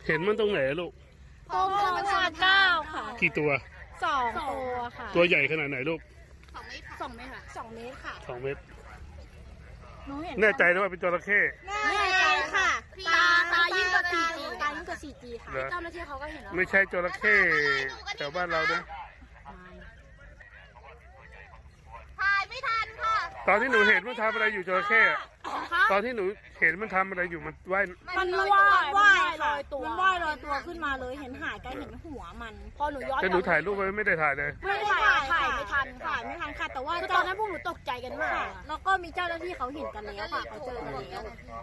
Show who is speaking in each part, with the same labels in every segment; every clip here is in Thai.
Speaker 1: เห็นมันตรงไหนลูก
Speaker 2: ตรงประชาเก้าค่ะ
Speaker 1: กี่ตัว
Speaker 2: 2 ตัวค่ะ
Speaker 1: ตัวใหญ่ขนาดไหนลูก
Speaker 2: 2 เมตรค่ะ2 เมตรค่ะ
Speaker 1: 2 เมตร
Speaker 2: หนูเห็น
Speaker 1: แน่ใจนะว่าเป็นจระเข้
Speaker 2: แน่ใจค่ะตายิ่งกว่า 4G ตายิ่งกว่า 4G ค่ะเจ้าหน้าที่เขาก็เห็นแล้ว
Speaker 1: ไม่ใช่จระเข้แถวบ้านเรานะ
Speaker 2: ถ่ายไม่ทันค่ะ
Speaker 1: ตอนที่หนูเห็นมันทำอะไรอยู่จระเข้ตอนที่หนูเห็นมันทำอะไรอยู่มันว่าย
Speaker 2: ลอยตัวมันว่ายลอยตัวขึ้นมาเลยเห็นหายกันเห็นหัวมันพอหนูย้อน
Speaker 1: แต่หนูถ่ายรูปไว้ไม่ได้ถ่ายเลย
Speaker 2: ไม่ได้ถ่ายไม่ทันค่ะแต่ว่าตอนนั้นพวกหนูตกใจกันมากแล้วก็มีเจ้าหน้าที่เขาเห็นกันแล้วค่ะเขาเจอกันแล้ว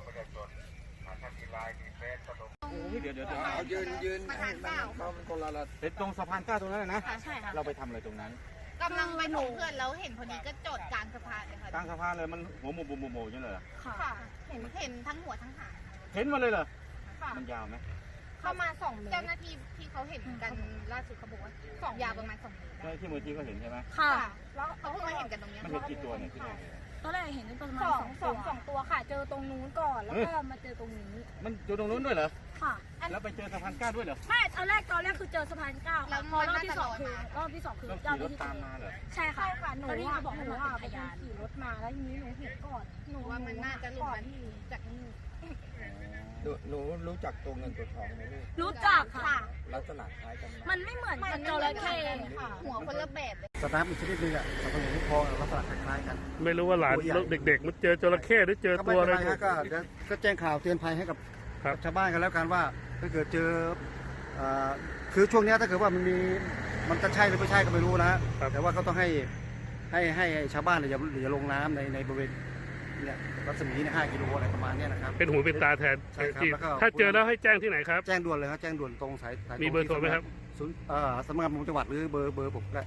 Speaker 3: เดี๋ยวเอายืนให้มันคนละเป็นตรงสะพาน9ตรงนั้นนะ
Speaker 2: ใช่ค่ะ
Speaker 3: เราไปทำอะไรตรงนั้น
Speaker 4: กำลังไปส่งเพื่อนแล้วเห็นพอดีก็จอดกลางสะพานเลยค่ะ
Speaker 3: กลางสะพานเลยมันหัวโมใช่ไหม
Speaker 4: ค่ะเห็นทั้งหัวทั้งหาง
Speaker 3: เห็นมาเลยเหรอมันยาวไหม
Speaker 4: เข้ามา2 เมตรเจ้าหน้าที่ที่เขาเห็นกันล่าสุดเขาบอกว่ายาวประมาณ2 เมตร
Speaker 3: ใช่ที่มือที่ก็เห็นใช่ไหม
Speaker 2: ค่ะ
Speaker 4: แล้วเขาเพิ่งมาเห็นกันตรงนี้
Speaker 3: มันเห็นกี่ตัวเนี่ยที่
Speaker 2: ตอนแรกเห็นประมาณ2 ตัวค่ะเจอตรงนู้นก่อนแล้วก็มาเจอตรงนี้
Speaker 3: มันอยู่ตรงนู้นด้วยเหรอ
Speaker 2: ค่ะ
Speaker 3: แล้วไปเจอสะพาน9ด้วยเหรอ
Speaker 2: ไม่ตอนแรกคือเจอสะพาน9แล้วพอรอบที่2คือเจ้าหน้าที่
Speaker 3: ตามมาเหรอ
Speaker 2: ใช่ค่ะหนูว่าบอกให้หนูว่าพยานขี่รถมาแล้วทีนี้หนูเห็นก่อน
Speaker 4: หนูว่ามันน่าจะหลุดมาที่จากนี่
Speaker 5: หนูรู้จักตัวเงินตัวทองไหมลูก
Speaker 2: รู้จักค่ะ
Speaker 5: ลักษณะคล้ายกัน
Speaker 2: มันไม่เหมือนกันจระเข้
Speaker 4: ค่ะหัวคนละแบบเลย
Speaker 5: สัตว์น้ำอีกชนิดนึงอ่ะสัตว์น้ำทองลักษณะคล้ายกัน
Speaker 1: ไม่รู้ว่าหลานเด็กๆมันเจอจระเข้หรือเจอตัวอะไร
Speaker 5: ก็แจ้งข่าวเตือนภัยให้กับชาวบ้านกันแล้วกันว่าถ้าเกิดเจอคือช่วงนี้ถ้าเกิดว่ามันจะใช่หรือไม่ใช่ก็ไม่รู้นะแต่ว่าก็ต้องให้ชาวบ้านอย่าลงน้ำในบริเวณเนี่ยรัศมี5 กิโลอะไรประมาณนี้นะครับ
Speaker 1: เป็นหูเป็นตาแทน
Speaker 5: ใช่ครับแล้วก็
Speaker 1: ถ้าเจอแล้วให้แจ้งที่ไหนครับ
Speaker 5: แจ้งด่วนเลยครับแจ้งด่วนตรงสาย
Speaker 1: มีเบอร์โทรไหมครับ
Speaker 5: สำนักงานประมงจังหวัดหรือเบอร์ผมก็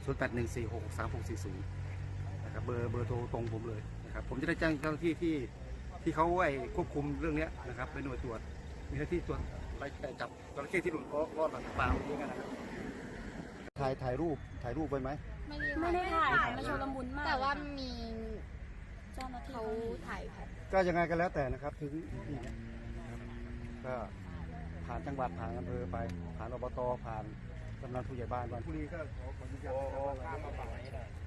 Speaker 5: 0814636640นะครับเบอร์โทรตรงผมเลยนะครับผมจะได้แจ้งเจ้าหน้าที่ที่เขาควบคุมเรื่องนี้นะครับเป็นหน่วยตรวจมีหน้าที่ตรวจไปจับจระเข้ที่หลุดรอดหลังปลาอย่างนี้กันนะครับถ่ายรูปไว้ไหม
Speaker 2: ไม่ได้ถ่ายมันชุลมุนมาก
Speaker 4: แต่ว่ามี
Speaker 2: เจ้าหน้าที่เขาถ่าย
Speaker 5: ก็ยังไงก็แล้วแต่นะครับถึงที่นี้ก็ผ่านจังหวัดผ่านอำเภอไปผ่านอบตผ่านกำนันผู้ใหญ่บ้านก่อนผู้นี้ก็ขออนุญาต